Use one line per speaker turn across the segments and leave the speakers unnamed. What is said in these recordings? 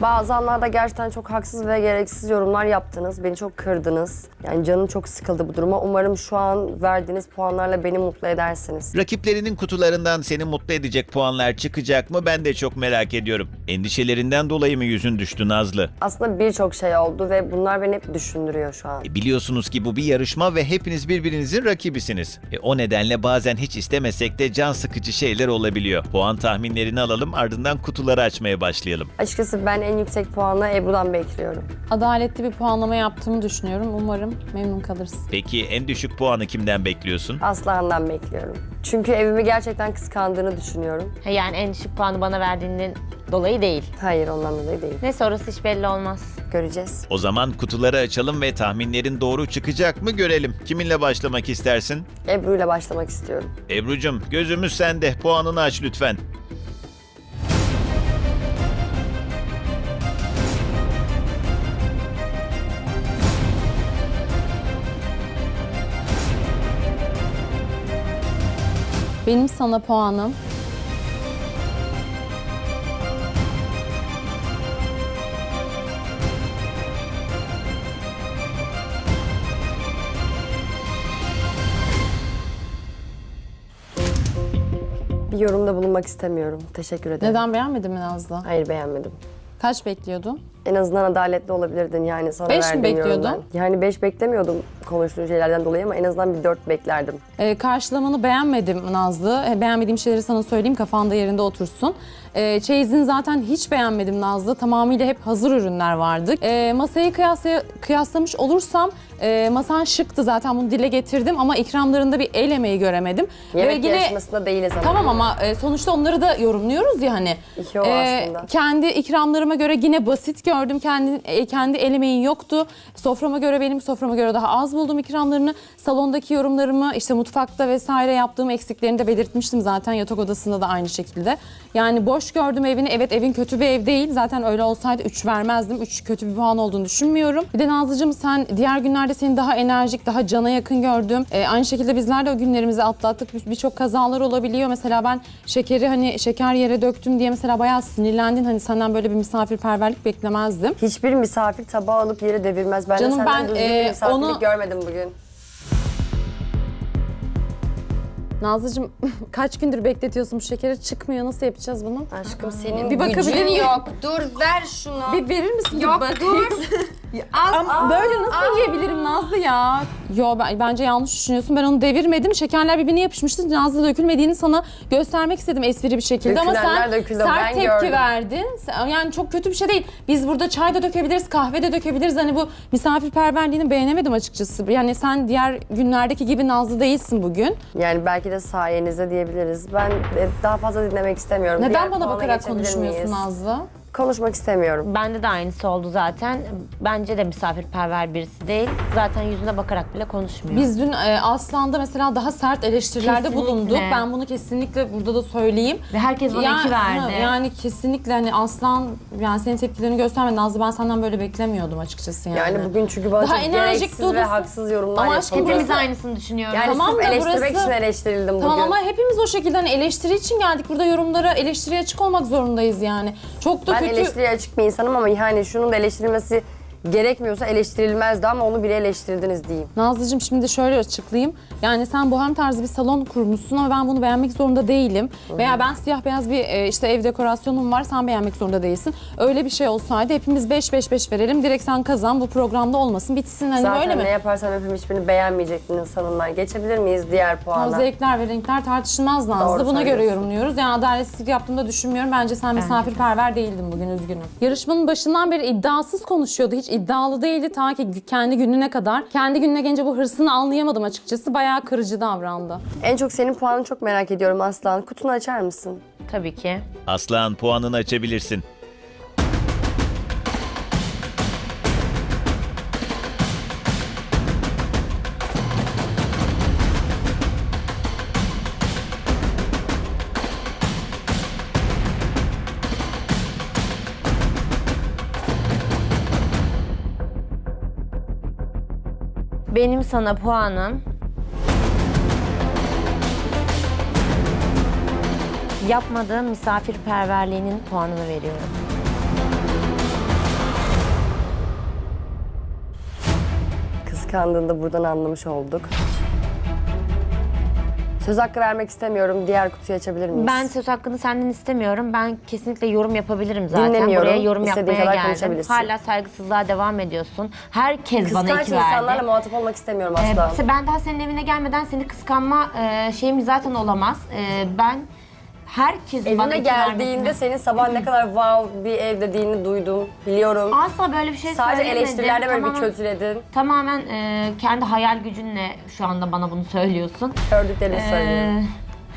Bazı anlarda gerçekten çok haksız ve gereksiz yorumlar yaptınız. Beni çok kırdınız. Yani canım çok sıkıldı bu duruma. Umarım şu an verdiğiniz puanlarla beni mutlu edersiniz.
Rakiplerinin kutularından seni mutlu edecek puanlar çıkacak mı ben de çok merak ediyorum. Endişelerinden dolayı mı yüzün düştü Nazlı?
Aslında birçok şey oldu ve bunlar beni hep düşündürüyor şu an.
Biliyorsunuz ki bu bir yarışma ve hepiniz birbirinizin rakibisiniz. O nedenle bazen hiç istemesek de can sıkıcı şeyler olabiliyor. Puan tahminlerini alalım, ardından kutuları açmaya başlayalım.
Açıkçası ben en yüksek puanı Ebru'dan bekliyorum.
Adaletli bir puanlama yaptığımı düşünüyorum. Umarım memnun kalırsın.
Peki en düşük puanı kimden bekliyorsun?
Aslan'dan bekliyorum. Çünkü evimi gerçekten kıskandığını düşünüyorum.
Yani en düşük puanı bana verdiğinden dolayı değil.
Hayır, ondan dolayı değil.
Neyse orası hiç belli olmaz.
Göreceğiz.
O zaman kutuları açalım ve tahminlerin doğru çıkacak mı görelim. Kiminle başlamak istersin?
Ebru'yla başlamak istiyorum.
Ebru'cum gözümüz sende. Puanını aç lütfen.
Benim sana puanım
Bir yorumda bulunmak istemiyorum. Teşekkür ederim.
neden beğenmedin mi Nazlı?
Hayır, beğenmedim.
Kaç bekliyordun?
En azından adaletli olabilirdin yani sana
5 mi
verdiğim
bekliyordun?
yorumdan. Yani 5 beklemiyordum konuştuğun şeylerden dolayı ama en azından bir 4 beklerdim.
Karşılamanı beğenmedim Nazlı. Beğenmediğim şeyleri sana söyleyeyim, kafanda yerinde otursun. Çeyizini zaten hiç beğenmedim Nazlı. Tamamıyla hep hazır ürünler vardı. Masayı kıyaslamış olursam masan şıktı, zaten bunu dile getirdim ama ikramlarında bir el emeği göremedim.
Yemek yarışmasında değiliz ama.
Tamam ama sonuçta onları da yorumluyoruz ya hani.
İki o aslında.
Kendi ikramlarıma göre yine basit gördüm. Kendi el emeğin yoktu. Soframa göre, benim soframa göre daha az buldum ikramlarını. Salondaki yorumlarımı, işte mutfakta vesaire yaptığım eksiklerini de belirtmiştim zaten. Yatak odasında da aynı şekilde. Yani boş gördüm evini. Evet, evin kötü bir ev değil. Zaten öyle olsaydı 3 vermezdim. 3 kötü bir puan olduğunu düşünmüyorum. Bir de Nazlıcığım, sen diğer günlerde seni daha enerjik, daha cana yakın gördüm. Aynı şekilde bizler de o günlerimizi atlattık. Birçok kazalar olabiliyor. Mesela ben şekeri, hani şeker yere döktüm diye mesela bayağı sinirlendin. Hani senden böyle bir misafirperverlik beklemezdim.
Hiçbir misafir tabağı alıp yere devirmez. Ben
Canım,
de senden
ben,
düzgün bir misafirlik
onu-
görmedim bugün.
Nazlıcığım kaç gündür bekletiyorsun bu şekeri, çıkmıyor. Nasıl yapacağız bunu?
Aşkım senin
Bir bakabilir
gücün
miyim?
yok. Dur ver şunu.
Bir verir misin?
Yok, dur.
Ama böyle nasıl yiyebilirim Nazlı ya? Yo, bence yanlış düşünüyorsun. Ben onu devirmedim. Şekerler birbirine yapışmıştı. Nazlı dökülmediğini sana göstermek istedim espri bir şekilde. Ama
Dökülenler
sen
döküldü,
sert
ben
tepki
gördüm.
verdin. Yani çok kötü bir şey değil. Biz burada çay da dökebiliriz, kahve de dökebiliriz. Hani bu misafirperverliğini beğenemedim açıkçası. Yani sen diğer günlerdeki gibi Nazlı değilsin bugün.
Yani belki de sayenizde diyebiliriz. Ben daha fazla dinlemek istemiyorum.
Neden
Diğer
bana
puana
bakarak
geçebilir
konuşmuyorsun
miyiz?
Nazlı?
Konuşmak istemiyorum.
Bende de aynısı oldu zaten. Bence de misafirperver birisi değil. Zaten yüzüne bakarak bile konuşmuyor.
Biz dün Aslan'da mesela daha sert eleştirilerde
Kesinlikle.
bulunduk. Ben bunu kesinlikle burada da söyleyeyim.
Ve herkes bana 2 verdi.
Yani kesinlikle hani Aslan, yani senin tepkilerini göstermedi. Nazlı, ben senden böyle beklemiyordum açıkçası yani.
Yani bugün çünkü bana
Daha
çok
enerjik
gereksiz ve
dolusun.
haksız yorumlar
Ama aşkım,
yapıldı.
Hepimiz
burası-
aynısını düşünüyoruz.
Yani
Tamam
sırf
da
eleştirmek
burası-
için eleştirildim
Tamam
bugün.
ama hepimiz o şekilde hani eleştiri için geldik. Burada yorumlara, eleştiriye açık olmak zorundayız yani. Çok da
Ben
kötü.
eleştiriye açık bir insanım ama yani şunun da eleştirilmesi gerekmiyorsa eleştirilmezdi ama onu bile eleştirdiniz diyeyim.
Nazlıcığım, şimdi şöyle açıklayayım. Yani sen bohem tarzı bir salon kurmuşsun ama ben bunu beğenmek zorunda değilim. Veya ben siyah beyaz bir işte ev dekorasyonum var, sen beğenmek zorunda değilsin. Öyle bir şey olsaydı hepimiz 5-5-5 verelim. Direkt sen kazan, bu programda olmasın, bitsin, hani
Zaten
böyle mi?
ne yaparsam yapayım hiçbirini beğenmeyecektiniz sanımlar. Geçebilir miyiz diğer
O
puana?
zevkler ve renkler tartışılmaz Nazlı.
Doğru
Buna göre
söylüyorsun.
yorumluyoruz. Yani adaletsizlik yaptığımı da düşünmüyorum. Bence sen misafirperver değildin bugün, üzgünüm. Yarışmanın başından beri iddiasız konuşuyordu. Hiç iddialı değildi ta ki kendi gününe kadar. Kendi gününe gelince bu hırsını anlayamadım açıkçası. Bayağı kırıcı davrandı.
En çok senin puanını çok merak ediyorum Aslan. Kutunu açar mısın?
Tabii ki.
Aslan, puanını açabilirsin.
Benim sana puanım yapmadığım misafirperverliğinin puanını veriyorum.
kıskandığını da buradan anlamış olduk. Söz hakkı vermek istemiyorum. Diğer kutuyu açabilir miyiz?
Ben söz hakkını senden istemiyorum. Ben kesinlikle yorum yapabilirim zaten.
Dinlemiyorum.
Buraya yorum
İstediğin
yapmaya
kadar
geldim.
konuşabilirsin.
Hala saygısızlığa devam ediyorsun. Herkes bana
Kıskanç
iki verdi.
insanlarla muhatap olmak istemiyorum asla.
Ben daha senin evine gelmeden seni kıskanma şeyim zaten olamaz. Ben herkesin bana
Evine
iki
geldiğinde
vermesini-
senin sabah ne kadar wow bir ev dediğini duydum. Biliyorum.
Asla böyle bir şey
Sadece
söylemedim.
eleştirilerde böyle bir
Tamamen-
kötüledin.
Tamamen kendi hayal gücünle şu anda bana bunu söylüyorsun.
Gördüklerini söylüyorum.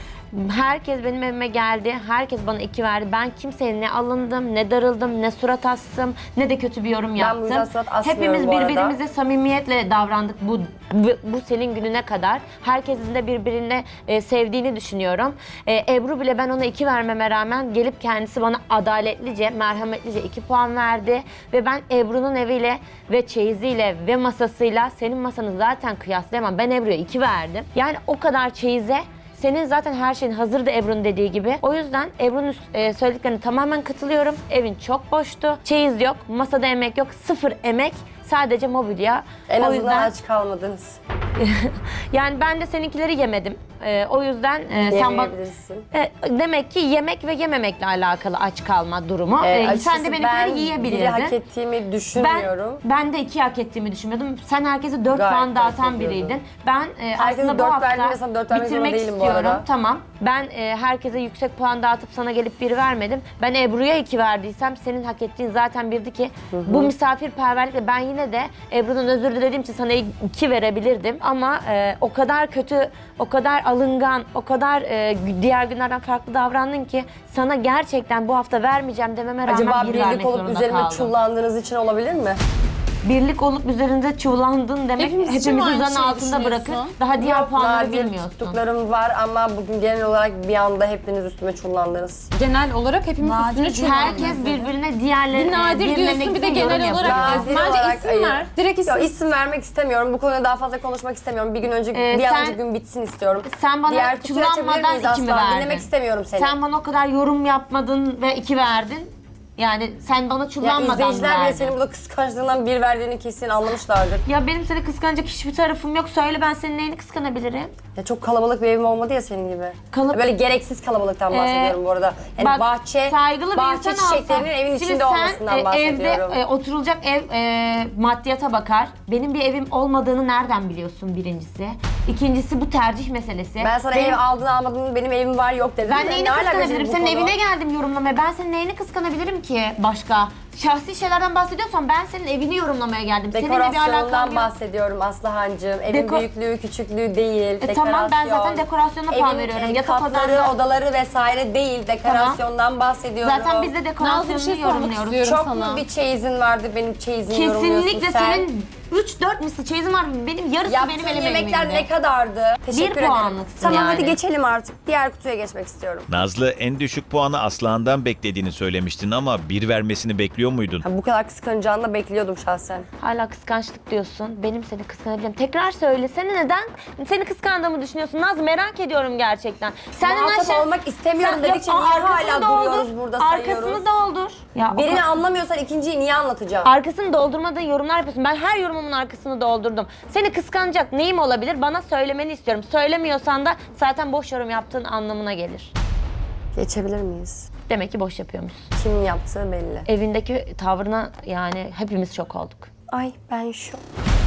Herkes benim evime geldi. Herkes bana iki verdi. Ben kimseye ne alındım, ne darıldım, ne surat astım, ne de kötü bir yorum yaptım.
yüzden surat asmıyorum
Hepimiz
bu arada.
birbirimize samimiyetle davrandık bu senin gününe kadar. Herkesin de birbirini sevdiğini düşünüyorum. Ebru bile ben ona 2 vermeme rağmen gelip kendisi bana adaletlice, merhametlice 2 puan verdi. Ve ben Ebru'nun eviyle ve çeyiziyle ve masasıyla senin masanı zaten kıyaslayamam. Ben Ebru'ya 2 verdim. Yani o kadar çeyize senin zaten her şeyin hazırdı Ebru'nun dediği gibi. O yüzden Ebru'nun söylediklerine tamamen katılıyorum. Evin çok boştu. Çeyiz yok, masada emek yok, 0 emek. Sadece mobilya.
En
o
azından
yüzden
aç kalmadınız.
yani ben de seninkileri yemedim. O yüzden sen bak
Yemeyebilirsin.
demek ki yemek ve yememekle alakalı aç kalma durumu. Sen
Açıkçası
de
ben
benimkileri
biri
yiyebilirdin.
hak ettiğimi düşünmüyorum.
Ben de 2 hak ettiğimi düşünmüyordum. Sen herkese 4
Gayet
puan
hak
dağıtan
ediyordun.
biriydin. Ben
Herkese
aslında bu
4
hafta
verdim ve sana 4 vermek zorunda
bitirmek
değilim bu
istiyorum.
arada.
Tamam. Ben herkese yüksek puan dağıtıp sana gelip 1 vermedim. Ben Ebru'ya 2 verdiysem senin hak ettiğin zaten birdi ki bu misafirperverlikle ben yine de Ebru'dan özür dilediğim için sana 2 verebilirdim. Ama o kadar kötü, o kadar alıngan, o kadar diğer günlerden farklı davrandın ki sana gerçekten bu hafta vermeyeceğim dememe rağmen
Acaba
1 vermek
birlik olup
zorunda
üzerime
kaldım.
çullandığınız için olabilir mi?
Birlik olup üzerinde çullandın demek
Hepimiz için
hepimizi
aynı
zan
şeyi
altında bırakır.
düşünüyorsun.
Daha diğer
Yok,
puanları
nadir
bilmiyorsun.
tuttuklarım var ama bugün genel olarak bir anda hepiniz üstüme çullandınız.
Genel olarak hepimiz üstüne çullandık.
Herkes birbirine diğerlerine
Bir nadir diyorsun, bir de genel olarak
Nadir
Bence
olarak
isim ver. Direkt isim.
Yok, isim vermek istemiyorum. Bu konuda daha fazla konuşmak istemiyorum. Bir gün önce, bir an
sen-
önce gün bitsin istiyorum.
Sen bana
Diğer kutuyu açabilir
çullanmadan
miyiz
2 mi
asla?
verdin?
Dinlemek istemiyorum seni.
Sen bana o kadar yorum yapmadın ve 2 verdin. Yani sen bana
Ya
çullanmadan
izleyiciler bile
verdin.
senin burada kıskançlığından 1 verdiğini kesin anlamışlardır.
Ya benim seni kıskanacak hiçbir tarafım yok. Söyle ben senin neyini kıskanabilirim?
Ya çok kalabalık bir evim olmadı ya senin gibi.
Kalıp-
Böyle gereksiz kalabalıktan bahsediyorum bu arada. Yani
Bak,
bahçe,
saygılı bir
bahçe
insan
çiçeklerinin
olsan,
evin
şimdi
içinde
sen,
olmasından bahsediyorum.
Evde oturulacak ev maddiyata bakar. Benim bir evim olmadığını nereden biliyorsun birincisi? İkincisi bu tercih meselesi.
Ben sana
Benim-
ev aldın almadın benim evim var yok dedim.
Ben
de.
neyini
Ne alakası
kıskanabilirim?
bu
Senin
konu?
evine geldim yorumlamaya. Ben senin neyini kıskanabilirim ki başka? Şahsi şeylerden bahsediyorsan ben senin evini yorumlamaya geldim. Seninle bir alakam
Dekorasyonundan
yok.
bahsediyorum Aslıhancığım. Evin
Deko-
büyüklüğü, küçüklüğü değil.
tamam, ben
dekorasyon.
zaten dekorasyona puan veriyorum. Yatak
katları,
odamda-
odaları vesaire değil. Dekorasyondan bahsediyorum.
Zaten biz de
Nazlı bir
dekorasyonunu
şey sormak
yorumluyoruz.
istiyorum
Çok
sana.
mu bir çeyizin vardı benim çeyizimi yorumluyorsun
Kesinlikle
sen?
senin 3-4 misli çeyizin var. Benim yarısı benim
Yaptığın
elim
yemekler
elimde.
ne kadardı? Teşekkür ederim.
puanlıksın
Tamam
yani.
hadi geçelim artık. Diğer kutuya geçmek istiyorum.
Nazlı en düşük puanı Aslıhan'dan beklediğini söylemiştin ama 1 vermesini bekliyor muydun?
Ha, bu kadar kıskanacağını da bekliyordum şahsen.
Hala kıskançlık diyorsun. Benim seni kıskanabileceğim. Tekrar söylesene neden? Seni kıskandığımı düşünüyorsun. Naz merak ediyorum gerçekten. Senden
Muhatap olmak istemiyorum dedikçe niye hala duruyoruz burada sayıyoruz?
Arkasını doldur. Ya, o
Birini
kadar-
anlamıyorsan ikinciyi niye anlatacağım?
Arkasını doldurmadığın yorumlar yapıyorsun. Ben her yorumumun arkasını doldurdum. Seni kıskanacak neyim olabilir? Bana söylemeni istiyorum. Söylemiyorsan da zaten boş yorum yaptığın anlamına gelir.
Geçebilir miyiz?
Demek ki boş yapıyormuşsun.
Kimin yaptığı belli.
Evindeki tavrına yani hepimiz şok olduk.
Ay ben şu.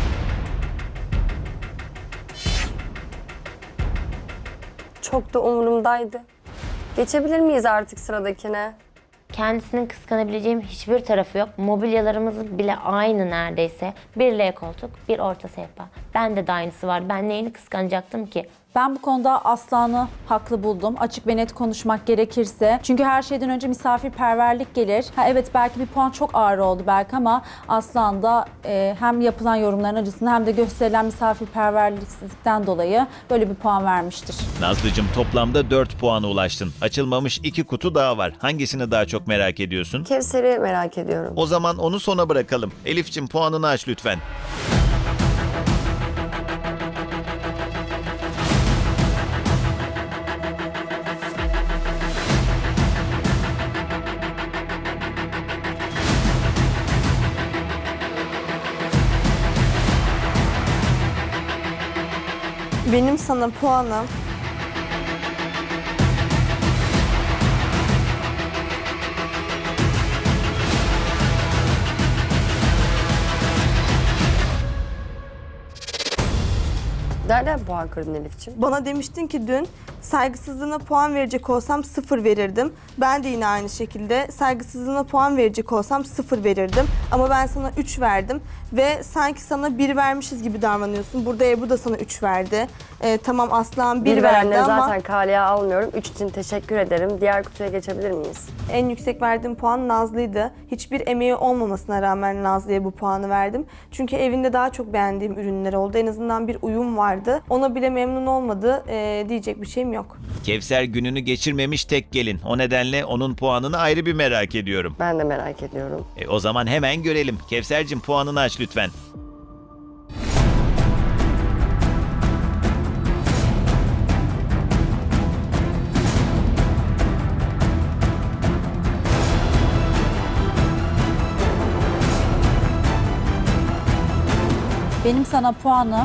Çok da umurumdaydı. Geçebilir miyiz artık sıradakine?
Kendisinin kıskanabileceğim hiçbir tarafı yok. Mobilyalarımız bile aynı neredeyse. Bir L koltuk, bir orta sehpa. Bende de aynısı var. Ben neyini kıskanacaktım ki?
Ben bu konuda Aslan'ı haklı buldum. Açık ve net konuşmak gerekirse. Çünkü her şeyden önce misafirperverlik gelir. Ha, evet belki bir puan çok ağır oldu belki ama Aslan da hem yapılan yorumların acısını hem de gösterilen misafirperverliksizlikten dolayı böyle bir puan vermiştir.
Nazlıcığım toplamda 4 puana ulaştın. Açılmamış 2 kutu daha var. Hangisini daha çok merak ediyorsun?
Kevser'i merak ediyorum.
O zaman onu sona bırakalım. Elif'ciğim puanını aç lütfen.
Benim sana puanım
Nereden puan kırdın Elif'ciğim?
bana demiştin ki dün saygısızlığına puan verecek olsam 0 verirdim. Ben de yine aynı şekilde saygısızlığına puan verecek olsam 0 verirdim. Ama ben sana 3 verdim ve sanki sana 1 vermişiz gibi davranıyorsun. Burada Ebru da sana 3 verdi. Tamam Aslan 1
Bir
verdi
verenleri
ama
zaten kaleye almıyorum. 3 için teşekkür ederim. Diğer kutuya geçebilir miyiz?
en yüksek verdiğim puan Nazlı'ydı. Hiçbir emeği olmamasına rağmen Nazlı'ya bu puanı verdim. Çünkü evinde daha çok beğendiğim ürünler oldu. En azından bir uyum vardı. Ona bile memnun olmadı. Diyecek bir şeyim yok.
Kevser gününü geçirmemiş tek gelin. O nedenle onun puanını ayrı bir merak ediyorum.
Ben de merak ediyorum.
O zaman hemen görelim. Kevser'cim puanını aç lütfen.
Benim sana puanım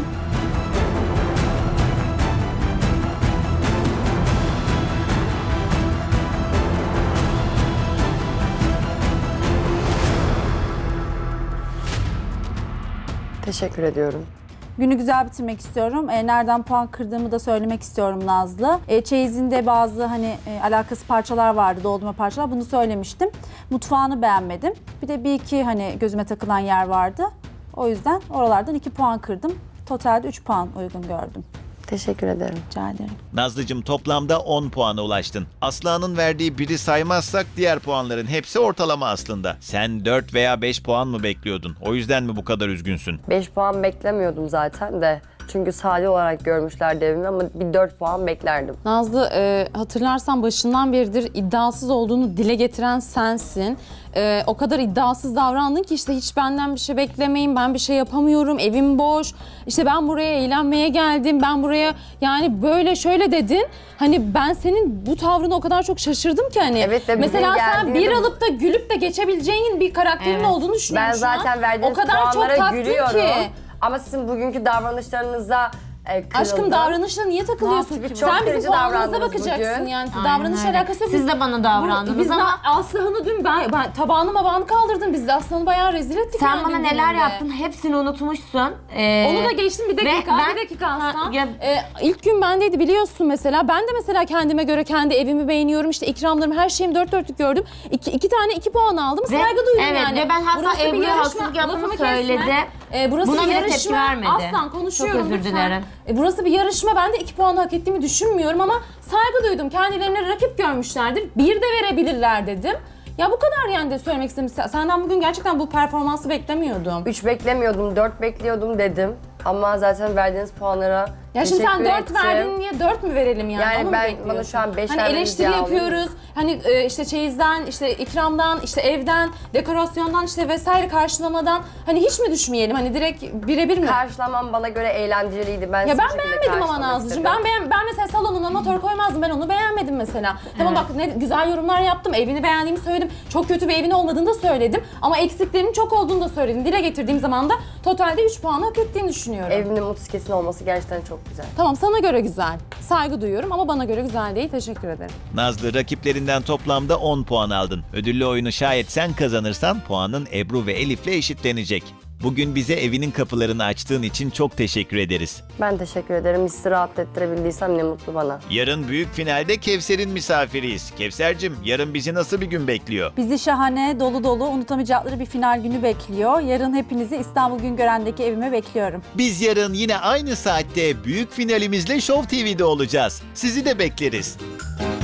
Teşekkür ediyorum.
Günü güzel bitirmek istiyorum. Nereden puan kırdığımı da söylemek istiyorum Nazlı. Çeyizinde bazı alakası parçalar vardı, doldurma parçalar. Bunu söylemiştim. Mutfağını beğenmedim. Bir de bir iki gözüme takılan yer vardı. O yüzden oralardan 2 puan kırdım. Totalde 3 puan uygun gördüm.
Teşekkür ederim.
Rica ederim.
Nazlıcığım toplamda 10 puana ulaştın. Aslı'nın verdiği biri saymazsak diğer puanların hepsi ortalama aslında. Sen 4 veya 5 puan mı bekliyordun? O yüzden mi bu kadar üzgünsün?
5 puan beklemiyordum zaten de. Çünkü sade olarak görmüşlerdi evimi ama bir 4 puan beklerdim.
Nazlı hatırlarsan başından beridir iddiasız olduğunu dile getiren sensin. O kadar iddiasız davrandın ki işte hiç benden bir şey beklemeyin, ben bir şey yapamıyorum, evim boş. İşte ben buraya eğlenmeye geldim, ben buraya yani böyle şöyle dedin. Hani ben senin bu tavrına o kadar çok şaşırdım ki hani.
Evet de bizim
mesela sen bir
geldiğinde-
alıp da gülüp de geçebileceğin bir karakterin
Evet.
olduğunu düşünüyorum
Ben
şu an.
zaten verdiğiniz
o kadar çok
puanlara
taktın
gülüyorum.
ki.
Ama sizin bugünkü davranışlarınıza kırıldım.
Aşkım davranışla niye takılıyorsun?
Nasıl? Çok
Sen bizim
kırıcı
puanımıza
davrandınız
bakacaksın
bugün.
yani.
Aynen
Davranış
öyle.
alakası yok.
Siz de bana davrandınız
Biz
ama-
Aslıhan'ı dün ben tabağını mabağını kaldırdım. Biz de Aslıhan'ı bayağı rezil ettik
Sen
yani
bana
dün
neler
gününde.
yaptın hepsini unutmuşsun.
Onu da geçtim bir dakika,
ben-
bir dakika Aslan.
ya-
İlk gün bendeydi biliyorsun mesela. Ben de mesela kendime göre kendi evimi beğeniyorum. İşte ikramlarımı, her şeyimi dört dörtlük gördüm. İki tane 2 puan aldım.
Ve-
Saygı duydum
evet,
yani.
ve ben hatta
Burası bir
Ebru'ya
yarışma,
haksızlık yaptığımı
lafımı kesme.
söyledi.
Burası
Buna
bir
bile
yarışma.
tepki vermedi.
Aslan konuşuyorum
Çok özür
lütfen.
dilerim.
Burası bir yarışma. Ben de 2 puanı hak ettiğimi düşünmüyorum ama saygı duydum. Kendilerine rakip görmüşlerdir. 1 de verebilirler dedim. Ya bu kadar yani de söylemek istedim. Senden bugün gerçekten bu performansı beklemiyordum.
3 beklemiyordum, 4 bekliyordum dedim. Ama zaten verdiğiniz puanlara
Ya şimdi sen
teşekkür
4
ettim.
verdin diye 4 mü verelim yani?
Yani
Onu mu
ben-
bekliyorsun?
bana şu an beş
Hani
vermenizi
eleştiri
yağlayayım mı?
yapıyoruz. Hani işte çeyizden, işte ikramdan, işte evden, dekorasyondan işte vesaire karşılamadan hani hiç mi düşmeyelim? Hani direkt birebir mi?
Karşılamam bana göre eğlenceliydi. Ben
Ya
sizi
ben
bu şekilde
beğenmedim ama
karşılamak
Nazlıcığım.
istedim.
Ben mesela salonuna motor koymazdım. Ben onu beğenmedim mesela. Tamam bak ne güzel yorumlar yaptım. Evini beğendiğimi söyledim. Çok kötü bir evin olmadığını da söyledim. Ama eksiklerinin çok olduğunu da söyledim. Dile getirdiğim zaman da totalde 3 puanı hak ettiğini düşünüyorum.
Evimin mutsikesin olması gerçekten çok güzel.
Tamam sana göre güzel. Saygı duyuyorum ama bana göre güzel değil. Teşekkür ederim.
Nazlı rakiplerinden toplamda 10 puan aldın. Ödüllü oyunu şayet sen kazanırsan puanın Ebru ve Elif'le eşitlenecek. Bugün bize evinin kapılarını açtığın için çok teşekkür ederiz.
Ben teşekkür ederim. Sizi rahat ettirebildiysem ne mutlu bana.
Yarın büyük finalde Kevser'in misafiriyiz. Kevser'cim yarın bizi nasıl bir gün bekliyor?
Bizi şahane, dolu dolu, unutamayacakları bir final günü bekliyor. Yarın hepinizi İstanbul Güngören'deki evime bekliyorum.
Biz yarın yine aynı saatte büyük finalimizle Show TV'de olacağız. Sizi de bekleriz.